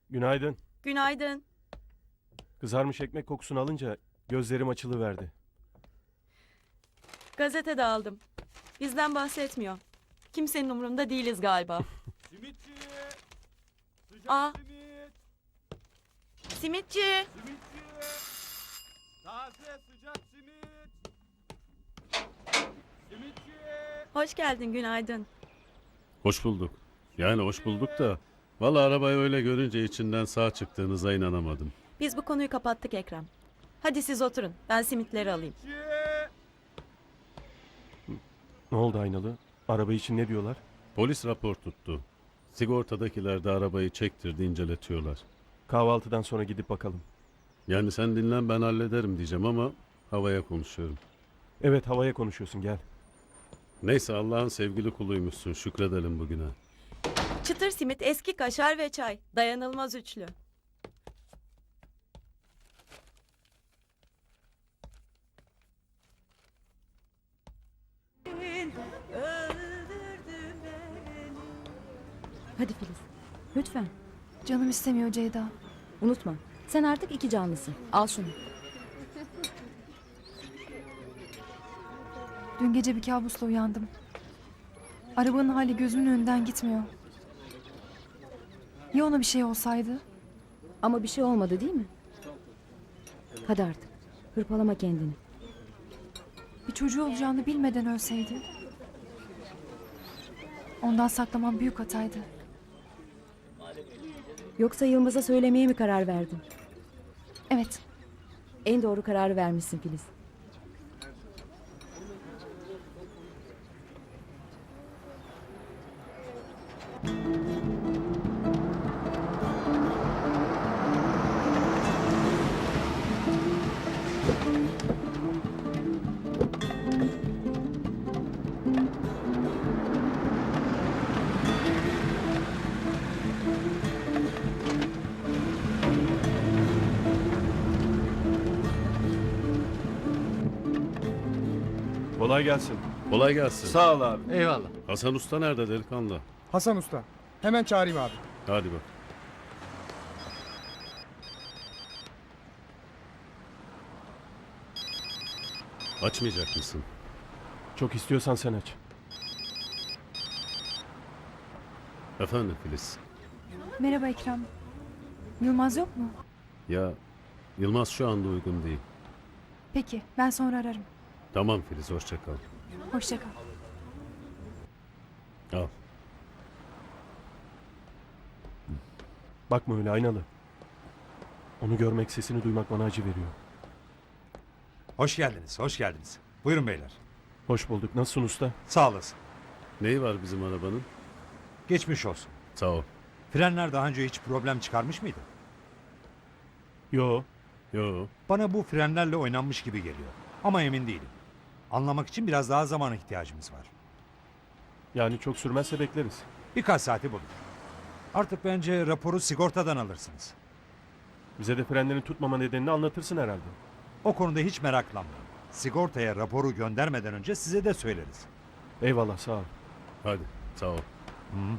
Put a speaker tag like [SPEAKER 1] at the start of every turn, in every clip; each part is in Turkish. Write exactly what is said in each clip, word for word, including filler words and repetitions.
[SPEAKER 1] Günaydın.
[SPEAKER 2] Günaydın.
[SPEAKER 1] Kızarmış ekmek kokusunu alınca gözlerim açılıverdi.
[SPEAKER 2] Gazetede aldım. Bizden bahsetmiyor. Kimsenin umurunda değiliz galiba.
[SPEAKER 3] Simitçi! Sıcak
[SPEAKER 2] Aa.
[SPEAKER 3] simit!
[SPEAKER 2] Simitçi.
[SPEAKER 3] Simitçi! Taze sıcak simit! Simitçi!
[SPEAKER 2] Hoş geldin, günaydın.
[SPEAKER 4] Hoş bulduk. Yani hoş bulduk da. Vallahi arabayı öyle görünce içinden sağ çıktığınıza inanamadım.
[SPEAKER 2] Biz bu konuyu kapattık Ekrem. Hadi siz oturun. Ben simitleri alayım.
[SPEAKER 3] Simitçi!
[SPEAKER 1] Ne oldu Aynalı? Araba için ne diyorlar?
[SPEAKER 4] Polis rapor tuttu. Sigortadakiler de arabayı çektirdi, inceletiyorlar.
[SPEAKER 1] Kahvaltıdan sonra gidip bakalım.
[SPEAKER 4] Yani sen dinlen, ben hallederim diyeceğim ama havaya konuşuyorum.
[SPEAKER 1] Evet, havaya konuşuyorsun, gel.
[SPEAKER 4] Neyse, Allah'ın sevgili kuluymuşsun, şükredelim bugüne.
[SPEAKER 2] Çıtır simit, eski kaşar ve çay. Dayanılmaz üçlü.
[SPEAKER 5] Hadi Filiz. Lütfen.
[SPEAKER 6] Canım istemiyor Ceyda.
[SPEAKER 5] Unutma. Sen artık iki canlısın. Al şunu.
[SPEAKER 6] Dün gece bir kabusla uyandım. Arabanın hali gözümün önünden gitmiyor. Ya ona bir şey olsaydı?
[SPEAKER 5] Ama bir şey olmadı değil mi? Hadi artık. Hırpalama kendini.
[SPEAKER 6] Bir çocuğu olacağını bilmeden ölseydi? Ondan saklamam büyük hataydı.
[SPEAKER 5] Yoksa Yılmaz'a söylemeye mi karar verdin?
[SPEAKER 6] Evet,
[SPEAKER 5] En doğru kararı vermişsin Filiz.
[SPEAKER 1] Kolay gelsin.
[SPEAKER 4] Kolay gelsin.
[SPEAKER 1] Sağ ol abi.
[SPEAKER 7] Eyvallah.
[SPEAKER 4] Hasan Usta nerede delikanlı?
[SPEAKER 7] Hasan Usta. Hemen çağırayım abi.
[SPEAKER 4] Hadi bak. Açmayacak mısın?
[SPEAKER 1] Çok istiyorsan sen aç.
[SPEAKER 4] Efendim Filiz.
[SPEAKER 6] merhaba Ekrem. Yılmaz yok mu?
[SPEAKER 4] Ya Yılmaz şu anda uygun değil.
[SPEAKER 6] Peki, ben sonra ararım.
[SPEAKER 4] Tamam Filiz, hoşça kal.
[SPEAKER 6] Hoşça kal.
[SPEAKER 4] Al.
[SPEAKER 1] Bakma öyle Aynalı. Onu görmek, sesini duymak bana acı veriyor.
[SPEAKER 8] Hoş geldiniz, hoş geldiniz. Buyurun beyler.
[SPEAKER 1] Hoş bulduk. Nasılsın usta?
[SPEAKER 8] Sağ olasın.
[SPEAKER 4] Neyi var bizim arabanın?
[SPEAKER 8] Geçmiş olsun.
[SPEAKER 4] Sağ ol.
[SPEAKER 8] Frenler daha önce hiç problem çıkarmış mıydı?
[SPEAKER 1] Yo.
[SPEAKER 4] Yo.
[SPEAKER 8] Bana bu frenlerle oynanmış gibi geliyor. Ama emin değilim. Anlamak için biraz daha zamana ihtiyacımız var.
[SPEAKER 1] Yani çok sürmezse bekleriz.
[SPEAKER 8] Birkaç saati bulur. Artık bence raporu sigortadan alırsınız.
[SPEAKER 1] Bize de frenlerin tutmama nedenini anlatırsın herhalde.
[SPEAKER 8] O konuda hiç meraklanmayın. Sigortaya raporu göndermeden önce size de söyleriz.
[SPEAKER 1] Eyvallah, sağ ol.
[SPEAKER 4] Hadi. Sağ ol.
[SPEAKER 8] Hı.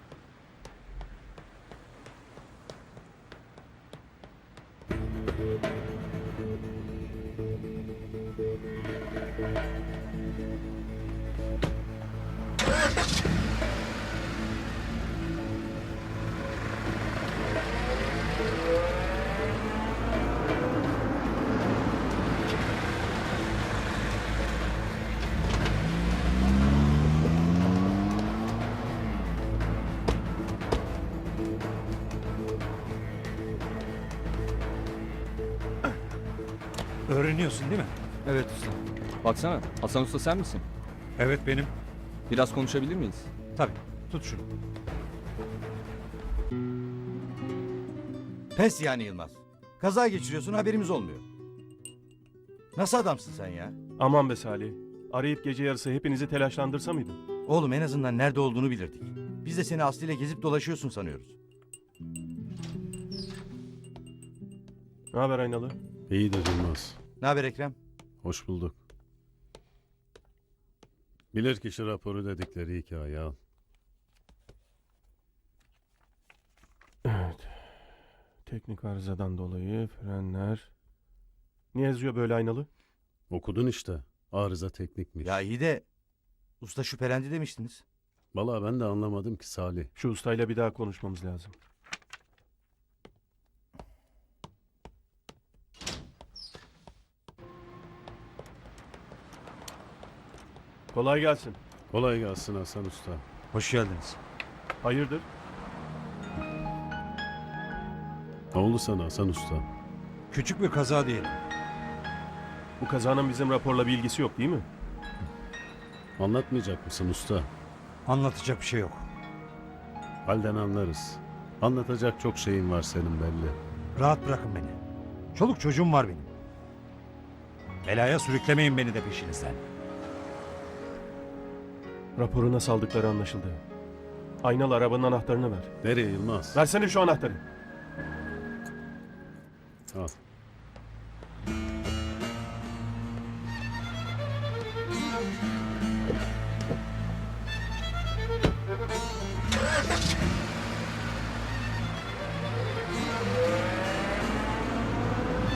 [SPEAKER 8] Öğreniyorsun değil mi?
[SPEAKER 9] Evet usta. Baksana Hasan Usta sen misin?
[SPEAKER 8] Evet benim.
[SPEAKER 9] Biraz konuşabilir miyiz?
[SPEAKER 8] Tabii. Tut şunu.
[SPEAKER 10] Pes yani Yılmaz. Kaza geçiriyorsun, haberimiz olmuyor. Nasıl adamsın sen ya?
[SPEAKER 1] Aman be Salih. Arayıp gece yarısı hepinizi telaşlandırsa mıydım?
[SPEAKER 10] Oğlum en azından nerede olduğunu bilirdik. Biz de seni Aslı ile gezip dolaşıyorsun sanıyoruz.
[SPEAKER 1] Ne haber Aynalı?
[SPEAKER 4] İyidir Yılmaz.
[SPEAKER 10] Ne haber Ekrem?
[SPEAKER 4] Hoş bulduk. Bilirkişi raporu dedikleri hikaye al.
[SPEAKER 1] Evet. Teknik arızadan dolayı frenler. Niye yazıyor böyle aynalı?
[SPEAKER 4] Okudun işte. Arıza teknikmiş.
[SPEAKER 10] Ya iyi de usta şüphelendi demiştiniz.
[SPEAKER 4] Vallahi ben de anlamadım ki Salih.
[SPEAKER 1] Şu ustayla bir daha konuşmamız lazım. Kolay gelsin.
[SPEAKER 4] Kolay gelsin Hasan Usta.
[SPEAKER 8] Hoş geldiniz.
[SPEAKER 1] Hayırdır?
[SPEAKER 4] Ne oldu sana Hasan Usta?
[SPEAKER 8] Küçük bir kaza diyelim.
[SPEAKER 1] Bu kazanın bizim raporla bir ilgisi yok değil mi?
[SPEAKER 4] Anlatmayacak mısın usta?
[SPEAKER 8] Anlatacak bir şey yok.
[SPEAKER 4] Halden anlarız. Anlatacak çok şeyin var senin belli.
[SPEAKER 8] Rahat bırakın beni. Çoluk çocuğum var benim. Belaya sürüklemeyin beni de peşinizden.
[SPEAKER 1] Raporu nasıl aldıkları anlaşıldı. Aynalı arabanın anahtarını ver.
[SPEAKER 4] Nereye Yılmaz?
[SPEAKER 1] Versene şu anahtarı.
[SPEAKER 4] Al.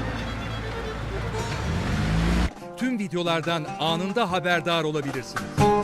[SPEAKER 11] Tüm videolardan anında haberdar olabilirsiniz.